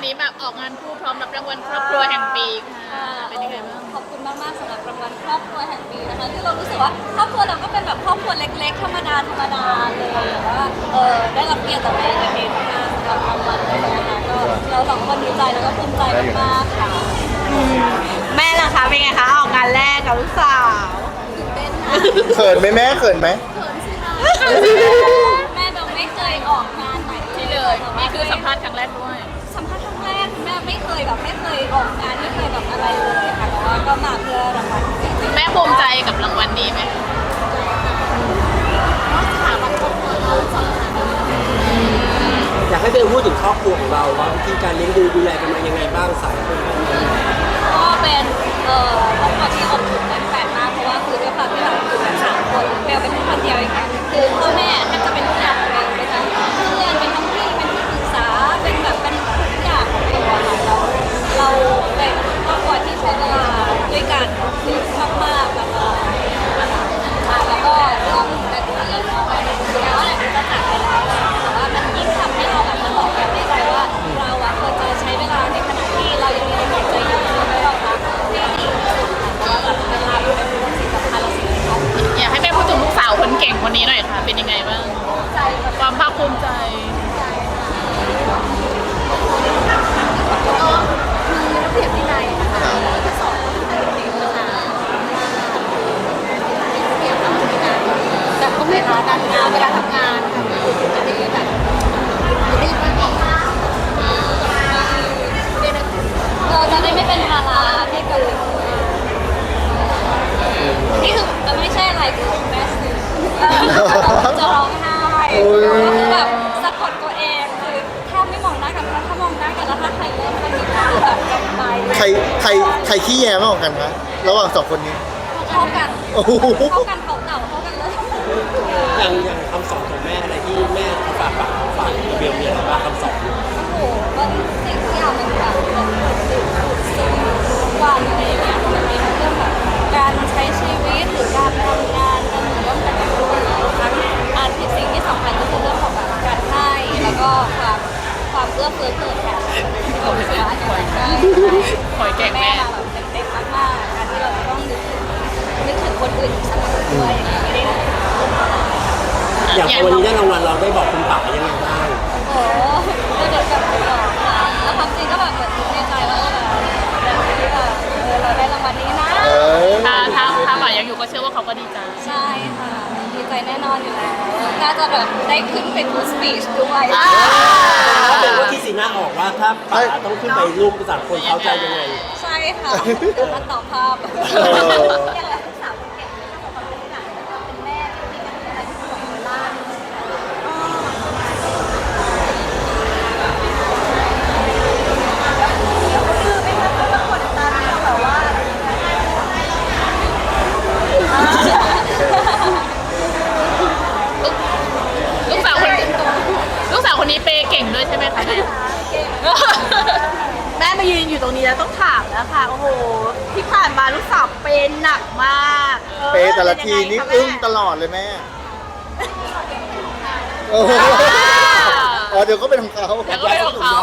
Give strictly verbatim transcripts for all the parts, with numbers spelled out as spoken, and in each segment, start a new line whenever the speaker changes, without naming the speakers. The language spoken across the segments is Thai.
นี้แบบออกงานคู่พร้อมรับรางวัลครอบครัวแห่งปีค่ะเป็นยังไงบ้าง
ขอบคุณมากๆสำหรับรางวัลครอบครัวแห่งปีนะคะคือเรารู้สึกว่าครอบครัวเราก็เป็นแบบครอบครัวเล็กๆธรรมดาธรรมดาเลยแต่ว่าเออได้รับเกียรติจากแม่กับเองมากสำหรับรางวัลนี้นะคะก็เราสองคนดีใจแล้วก็ภูมิใจมากๆค่ะ
แม่ล่ะคะเป็นไงคะออกงานแรกกับลูกสาว
ตื่นเต้นนะ
เขินไหมแม่เขินไหม
เขินสิคะแม่เราไม่เคยออกงานไหน
ที่เลยนี่คือสัมภาษณ์ครั้งแรกด้วย
สัมภาษณ์ครั้งแรกแม่ไม่เคยแบบไม่เคยออกงานไม่เคยแบบอะไรเลยค่ะแต่ว่าก็มาเพื่อรางวัล
แม่ภูมิใจกับรางวัลนี้ไหม
อยากให้เบลพูดถึงครอบครัวของเราว่าวิธีการเลี้ยงดูดูแลกันมายังไงบ้างสายคน
ก็เป็นเอ่อครอบครัวที่อบอุ่นและแปลกมากเพราะว่าคือด้วยความที่เราอยู่กันสามคนเบลเป็นคนเดียวอย่างเงี้ยคือพ่อแม่แทบจะเป็นทุกอย่างของเบลเป็นทั้งเพื่อนเป็นทั้งพี่เป็นที่ปรึกษาเป็นแบบเป็นทุกอย่างของเบลอะค่ะเราเราเป็นครอบครัวที่ใช้เวลาด้วยกันเยอะมากๆแล้วก็แล้วก็เรื่องแบบนี้เนาะแล้วแหละมันจะจากไปแล้วแต่ว่ามันยิ่งทำให้เราแบบมาบอกกันได้ใจว่าเราอะควรจะใช้เวลาในขณะที่เรายังมีลมหายใจอยู่ให้เรารักให้ดีที่สุดเพราะว่าแบบเวลาเป็นสิ่งสำคัญและสิ่งที่เขา
อยากให้แม่พูดถึงลูกสาวคนเก่งคนนี้หน่อยค่ะเป็นยังไงบ้าง
ใจ
ความภาคภูมิใจ
ก็มีระเบียบวินัยนะคะที่สอนเด็กๆนะคะแต่ก็ไม่ร้การงานเวลาทำงานจะได้แบบรีบไม่ออกเราจะได้ไม่เป็นภาระให้กับนี่คือมันไม่ใช่อะไรคือแม่สื่อจะร้องไห้คือแบบสะกดตัวเองคือแทบไม่มองหน้ากันถ้ามองหน้ากันแล้วถ้าใครเริ่มจะมีคือแบบจะไป
ใครใครใครขี้แย่มากกว่ากันคะระหว่างสองคนนี้
เท่ากันเท่ากันเขาเต่าเท่ากันเลย
อย่างอย่างคำสอนของแม่อะไรที่แม่ฝากฝากฝากเบลมีอะไรบ้างคำสอน
โอ้โหมันสิ่งที่อยากมันแบบซึมทุกวันอะไรอย่างเงี้ยมันมีเรื่องแบบการใช้ชีวิตหรือการทำงานการร่วมกันกับลูกทั้งอันที่สิ่งที่สำคัญก็คือเรื่องของแบบการให้แล้วก็ความความเอื้อเฟื้อเกิดแทนที่เราไม่ได้คอย
คอยแก่แม่
แบบเด็กๆมากๆการที่เราต้องนึกถึงนึกถึงคนอื่นเสมอด้วยไม่ได้
อย่างวันนี้ได้รางวัลเราได้บอกคุณป๋ายังไงบ้าง
โอ้เด็กแบบบอกค่ะแล้วความจริงก็แบบเหมือนในใจว่าแบบที่แบบเออเราได้รางวัลนี้นะ
ถ้าถ้าถ้าป๋ายังอยู่ก็เชื่อว่าเขาก็ดีใจ
ใช่ค่ะดีใจแน่นอนอยู่แล้วน่าจะแบบได้ขึ้นไปพูดสปีชด้วย
ถ้าเป็นว่าที่สีหน้าออกว่าถ้าป๋าต้องขึ้นไปรูปภาษาคนเขาใจยังไง
ใช่ค่ะเดี๋ยวมาต่อภาพอย่างไรลูกสาวคนเก่งของความเป็นหลักเป็นแม่ที่เป็นอะไรที่ของเวลา
ลูกสาวคนลูกสาวคนนี้เปย์เก่งด้วยใช่ไหมคะแม่
แม่มายืนอยู่ตรงนี้แล้วต้องถามแล้วค่ะโอ้โหที่ผ่านมาลูกสาวเป็นหนักมาก
เปย์แต่ละทีนี่อึ้งตลอดเลยแม่โอ้โหอ๋อเดี๋ยวก็เป็นของเขา
เดี๋ยวก็เป็นของเขา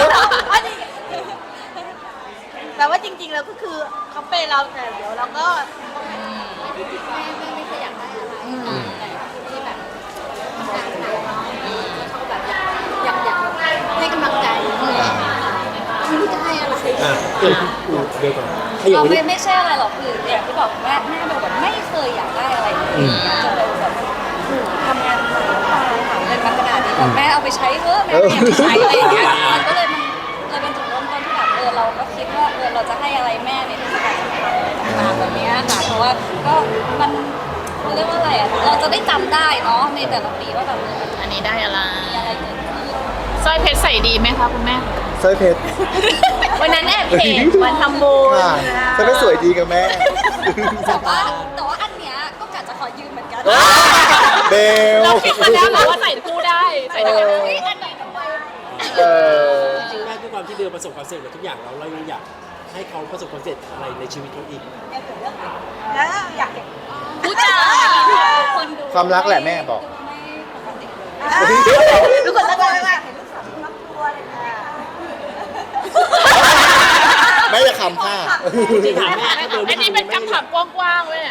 แต่ว่าจริงๆแล้วก็คือเขาเป็นเราแต่เดี๋ยวเราก็
แม่ไม่ไม่เคยอยากได้อะไรแต่ที่แบบทำงานหนักเนาะแล้วเขาแบบอยากอยากให้กำลังใจไม่รู้จะให้อะไร
อ่ะเดี๋ยวก่อน
เราไม่ไม่ใช่อะไรหรอกคืออย่างที่บอกแม่แม่เบลแบบไม่เคยอยากได้อะไรเลยจนเบลแบบทำงานหนักตายหาเงินมาขนาดนี้แบบแม่เอาไปใช้เถอะแม่ไม่อยากใช้อะไรอย่างเงี้ยมันก็เลยมันเลยเป็นจุดเริ่มต้นที่แบบเออเราก็คิดว่าเออเราจะให้อะไรแม่ในเทศกาลสำคัญต่างๆแบบนี้ค่ะเพราะว่าก็มันเขาเรียกว่าอะไรอ่ะเราจะได้จำได้เนาะในแต่ละปีว่าแบบ
อันนี้ได้อะไร
มีอะไรเกิดขึ้น
สร้อยเพชรใส่ดีไหมคะคุณแม่
สร้อยเพชร
วันนั้นแอบเห็นวันทำบุญ
สร้อยเพชรสวยดีกับแม่
แต่ว่าแต่ว่าอันเนี้ยก็กะจะขอยืมเหมือนกัน
เบล
เราคิดมาแล้วว่าใส่คู่ได้ใส่ได้
อันไหนทำไม
จริงๆแม่ด้วยความที่เบลประสบความสำเร็จกับทุกอย่างเราเรายังอยากให้เขาประสบความสำเร็จอะไรในชีวิตเขาอีก
แล้วอยากเห็น
ผู้ชาย
ความรักแหละแม่บอก
ทุกคนตั้งใจว่าเห็นลูกสาวครอบครัวเลยค่ะ
แม่จะคำค่ะ
จริงๆถามแม่ถ้าเบล
อั
ไม่
นนี้เป็นคำถามกว้างๆเลยอะ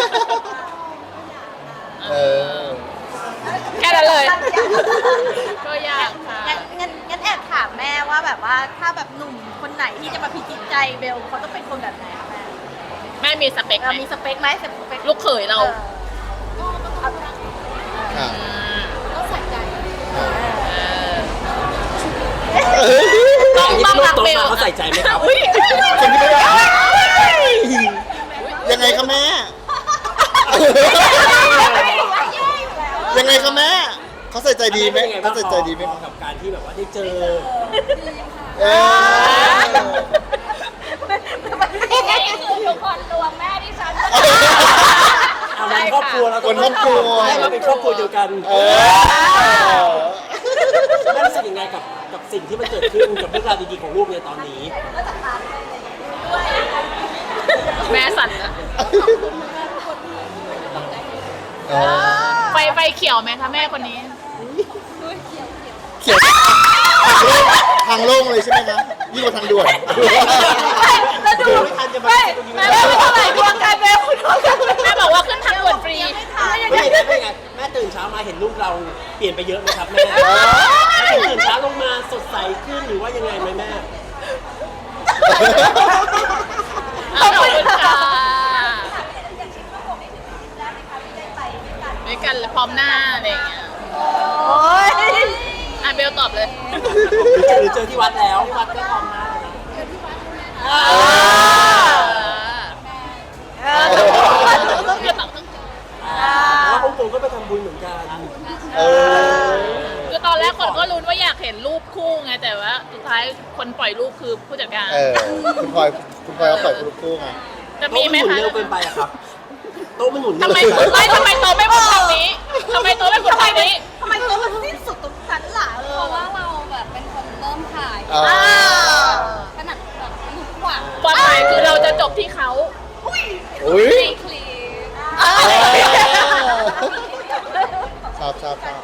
เออ
แค่นั้นเลย ก็ยากค่ะ
งั้นงั้นงั้นแอบถามแม่ว่าแบบว่าถ้าแบบหนุ่มคนไหนที่จะมาพิจิตใจเบลเขาต้องเป็นคนแบบไหนคะแม่
แม่มีสเปค
เรา
ไหม
มีสเปคไหมสเปค
ลูกเขยเรา
อ่ะ
ก็ใส่ใจ
ต้องต้องรักเบล
เขาใส่ใจไหมครับ
อุ๊ย
คนที่ไม่ได้ยังไงคะแม่ ยังไงคะแม่เขาใส่ใจดีไหมเขาใส่ใจดีไหม
กับการที่แบบว่าได้เจอ
เออ
นี่คือทุกคนรวมแม่ที่ฉัน
เอาวันครอบครัวเรา
คนครอบครัว
ให้เราเป็นครอบครัวเดียวกัน
เออ
แม่รู้สึกยังไงกับกับสิ่งที่มันเกิดขึ้นกับเรื่องราวดีๆของลูกในตอนนี้
แม่สั่นนะ
เออ
ไฟไฟเขียวไหมคะแม่คนนี้
เขียวทางโล่งเลยใช่ไหมคะยิ่งกว่าทางด่วน
แล้วดู
ไม่ทันจะมา
ไม่แม่ไม่เท่าไหร่ดวงการเบลคุณดวงการเบล
แม่บอกว่าขึ้นทางด่วนฟรี
ไม่ไม่ไม่ไงแม่ตื่นเช้ามาเห็นลูกเราเปลี่ยนไปเยอะไหมครับแม่ตื่นเช้าลงมาสดใสขึ้นหรือว่ายังไงไหมแม่
ขอบคุณค่ะด้วยกันเลยพร้อมหน้าอะไรอย่างเงี้ย
โอ้ย
อ่ะเบลตอบเลย
หรือเจอที่วัดแล้วที่วัดก็พร้อมมาก
เออ
เบลตอบต้อง
เพราะฮ่องกงก็ไปทำบุญเหมือนกัน
เออ
คือตอนแรกคนก็ลุ้นว่าอยากเห็นรูปคู่ไงแต่ว่าสุดท้ายคนปล่อยรูปคือผู้จัดการ
เออ คุณพลอยคุณพลอยเขาปล่อยคุณลูกคู่ไง
จะ
โต๊ะ
มี
มัน
ไหม
หมุน
คะ
เร็วเกินไปอะครับโต๊ะมันหมุนเร็
ทำ
ว
ไม
เกินไป
ไม่ทำไมโตไม่หมุนทางนี้ทำไมโตไม่หมุนทางนี้
ทำไมตัวมันสิ้นสุดตรงนั้นล่ะเอ
เพ
อ
ราะว่าเราแบบเป็นคนเริ่มถ่าย
อ่า
ขนาดแบบหนุกกว่า
ความหมายคือเราจะจบที่เขา
อุ้ย
คลีป
ชอบชอบชอบ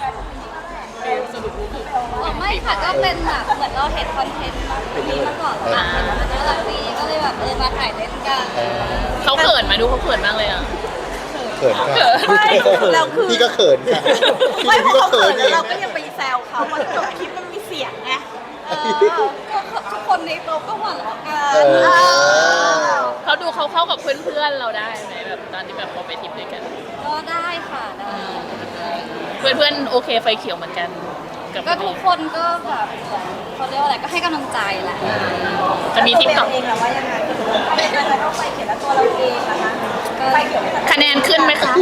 อ๋อไม่ค่ะก็เป็นแบบเหมือนเราเห็นคอนเทนต์นี้มาก่อนแล้วเห็นว่ามันน่ารักดีก็เลยแบบเออมาถ่ายเล่นกัน
เขาเขินมาดูเขาเขินมากเลยอ่ะ
เขินค่ะ
ไม่เราคือ
พี่ก็เขินค่ะพี่
ไม่พ
พี่
อ
ก็
เขา
เขิ
เขิ
น
น
เอ
แล้ว
ง
เราก็ยังไปแซวเขามันจบคลิปมันมีเสียงไงเออ
ก็ทุกคนในโต๊ะก็หัวเราะกั
เอน อ
เขาดูเขาเข้ากับเพื่อนๆเราได้ไหมแบบตอนที่แบบเราไปทริปด้วยกัน
ก็ได้ค่ะได้
เพื่อนๆโอเคไฟเขียวเหมือนกันกับ
ก็ทุกคนก็แบบเขาเรียกว่าอะไรก็ให้กำลังใจแหละ
จะมีทริปต่อ
เองหรือว่ายังไงเราต้องไปเขียนแล้วตัวเราเองนะคะ
ก็
ไปเขียน
คะแนนขึ้นไหมคะ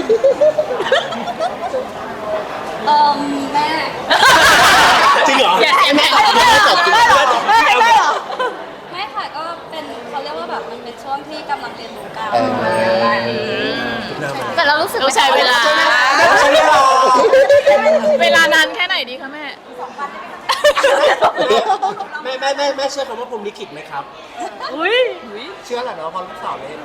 เอ่มแม่
จริงเหรอ
อย่าเสียงแม่
ไม่ได้ตอบจริง
ได้เหรอไม่ได้เหรอ
ไม่ค่ะก็เป็นเขาเรียกว่าแบบมันเป็นช่วงที่กำลังเรียนรู้กัน
เออ
แต่เรารู้สึก
ต้องใช้เวลา
ใช่ไหมล่ะ
เวลานานแค่ไหนดีคะแม่
แม่แม่แม่แม่เชื่อคำว่าพรหมลิขิตไหมครับ
อุ้ย
เชื่อแหละเนาะเพราะลูกสาวเล่น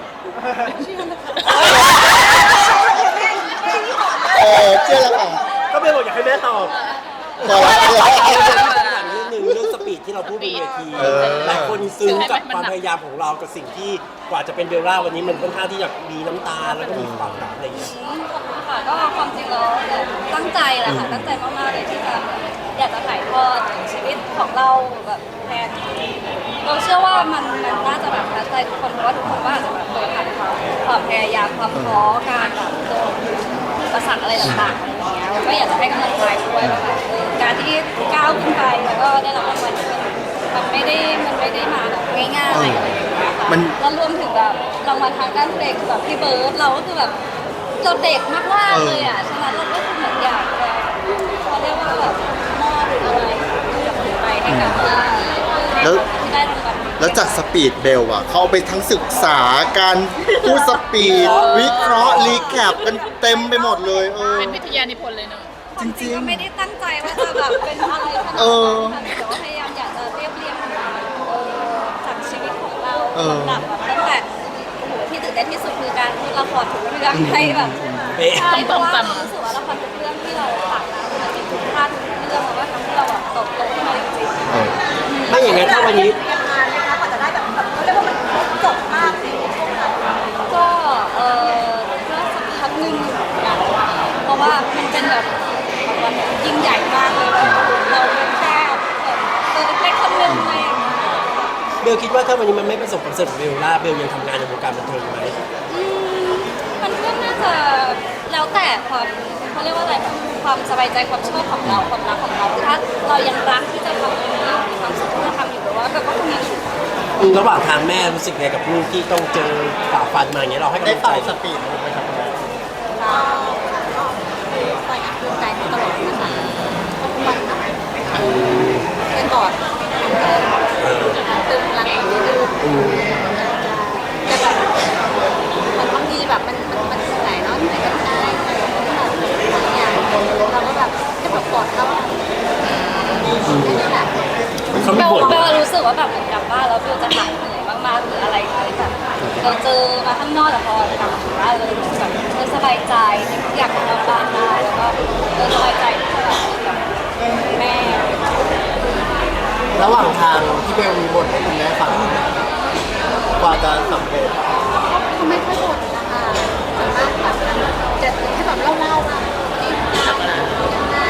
เออเชื่อแล้วค่ะ
ก็ไม่บอกอยากให้แม่ตอบ
พอแล้ว
ถามเรื่องหนึ่งเรื่องสปีดที่เราพูดบนเวที
เออ
หลายคนซึ้งกับความพยายามของเรากับสิ่งที่กว่าจะเป็นเบลล่าวันนี้มันค่อนข้างที่จะมีน้ำตาแล้วก็มีความแบบอะไรอย่างเงี้ย
ขอบคุณค่ะก็ความจริงเราตั้งใจแหละค่ะตั้งใจมากๆเลยที่จะอยากจะถ่ายทอดชีวิตของเราแบบแทนเราเชื่อว่ามันมันน่าจะแบบทัดใจทุกคนเพราะว่าทุกคนก็อาจจะแบบเคยผ่านความความพยายามความท้อการแบบโดนอุปสรรคอะไรต่างๆอะไรอย่างเงี้ยก็อยากจะให้กำลังใจด้วยว่าแบบเออการที่ก้าวขึ้นไปแล้วก็ได้รับรางวัลที่มันมันไม่ได้มันไม่ได้มาแบบง่ายๆอะไรอย่างเงี้ยค่ะ
มัน
แล้วรวมถึงแบบรางวัลทางด้านเพลงแบบพี่เบิร์ดเราก็คือแบบเราเด็กมากๆเลยอ่ะฉะนั้นเราก็คือเหมือนอยากจะเขาเรียกว่าแบบมอบอะไรไปให้กับ
แล้ว
ที่ได้รางวัล
แล้วจากสปีดเบลอะเขาเอาไปทั้งศึกษาการพูดสปีด วิเคราะห์รีแคปกันเต็มไปหมดเลยเออ
เป็นวิทยานิพนธ์เลยเนอะ
จริง
ก็ไม่ได้ตั้งใจว่าจะแบบเป็นอะไรขนาด
เออ
นั้นแต่ว่าพยายามอยากจะเรียบเรียงเออจากชีวิตของเรา
เออ
ลำดับแบบตั้งแต่โอ้โหที่ตื่นเต้นที่สุดคือการพูดละครทุกเรื่องให้แบบ
เป๊ะ
ใช่เพราะว่าเรารู้สึกว่าละครทุกเรื่องที่เราตัดมามันเป็นทุกท่าทุกเรื่องมันก็ทำให้เราแบบโตโตขึ้นมาจริง
ๆเออ
ไม่อย่างนั้นถ้าวันนี้
แบบวันยิ่งใหญ่มากเลยเราเป็นแค่ตัวเล็กๆคนหนึงอะไรอย่างเงี้ย
เบลคิดว่าถ้าวันนี้มันไม่ประสบความสำเร็จของเบลล่าเบลยังทำงานในวงการบันเทิงไหม
อืมมันก็น่าจะแล้วแต่ความเขาเรียกว่าอะไรแบบความสบายใจความชอบของเราความรักของเราถ้าเรายังรักที่จะทำตรงนี้มีความสุขที่จะทำอยู่หรือว่าแบบก็ทำงานอยู่
อืมระหว่างทางแม่รู้สึกไงกับลูกที่ต้องเจอฝ่าฟันมาอย่างเงี้ยเราให้กำ
ได้
ลังใจ
เป่าสปีดลงไปทำอะไร
ก็คอยอัพใจตลอดนะคะทุกวันนะเป็นบอร์ด
เออ
ตึงรังดื้อ
อืม
แต่แบบมันบางทีแบบมันมันมันเหนื่อยเนาะเหนื่อยกับใจแบบบางอย่างเราก็แบบจะแบบกอดเขาแค่นี้แหละ
เขา
เบ
ไม่
ล
บ่น
เบลรู้สึกว่าแบบเหมือนกลับบ้านแล้วเบลจะหายเหนื่อยมากๆหรืออะไรเลยแบบเราเจอมาข้างนอกแต่พอกลับถึงบ้านเลยรู้สึกแบบเออสบายใจอยากนอนบ้านได้แล้วก็เออสบายใจที่จะแบบกับแม่
ระหว่างทางที่เบลมีบทให้คุณแม่ฟังกว่าจะสำเร็จ
เขาไม่ค่อยบ่นนะคะส่วนมากแบบจะแค่แบบเล่าๆว่านี่ทำยังไง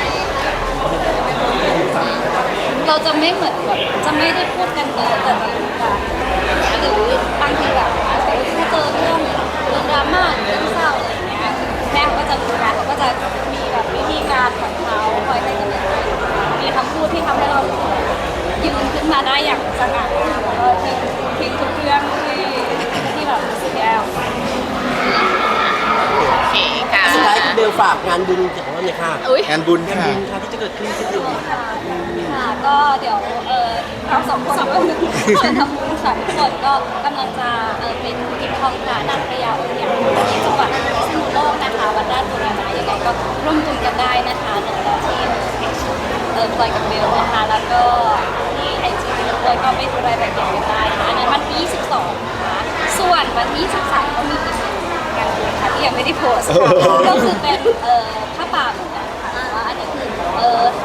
เราจะไม่เหมือนแบบจะไม่ได้พูดกันเยอะแต่จะพูดกันหรือบางทีแบบอาจจะถ้าเจอเรื่องเรื่องดราม่าหรือเรื่องเศร้าอะไรอย่างเงี้ยแม่เขาก็จะรู้นะเขาก็จะมีแบบวิธีการของเขาคอยให้กำลังใจมีคำพูดที่ทำให้เรายืนขึ้นมาได้อย่างสง่าแล้วก็ทิ้งทิ้งทุกเรื่องที่ที่แบบรู้สึกแย่
โอเคค่ะ
สุดท้ายเบลฝากงานบุญของเราเนี่ยค่ะ
อุ้ย
งานบุญ
งาน
ค่ะ
บุญค่ะที่จะเกิดขึ้นที่เดือนนี้
ค่ะค่ะก็เดี๋ยวเออเราสองคนก็จะทำบุญค่ะทุกคนก็กำลังจะเออเป็นกิจทองพระนางพญาองค์ใหญ่ที่จังหวัดพิษณุโลกนะคะวัดราชบูรณะยังไงก็ร่วมบุญกันได้นะคะหนึ่งร้อยที่เพจเออพลอยกับเบลนะคะแล้วก็ที่ไอจีพลอยก็ไปดูรายละเอียดกันได้นะคะอันนั้นวันที่ยี่สิบสองนะคะส่วนวันที่ยี่สิบสามก็มีอีกงานบุญค่ะที่ยังไม่ได้โพสต์ค่ะก็คือเป็นเอ่อผ้าป่าเหมือนกันค่ะแต่ว่าอันนี้คือเอ่อท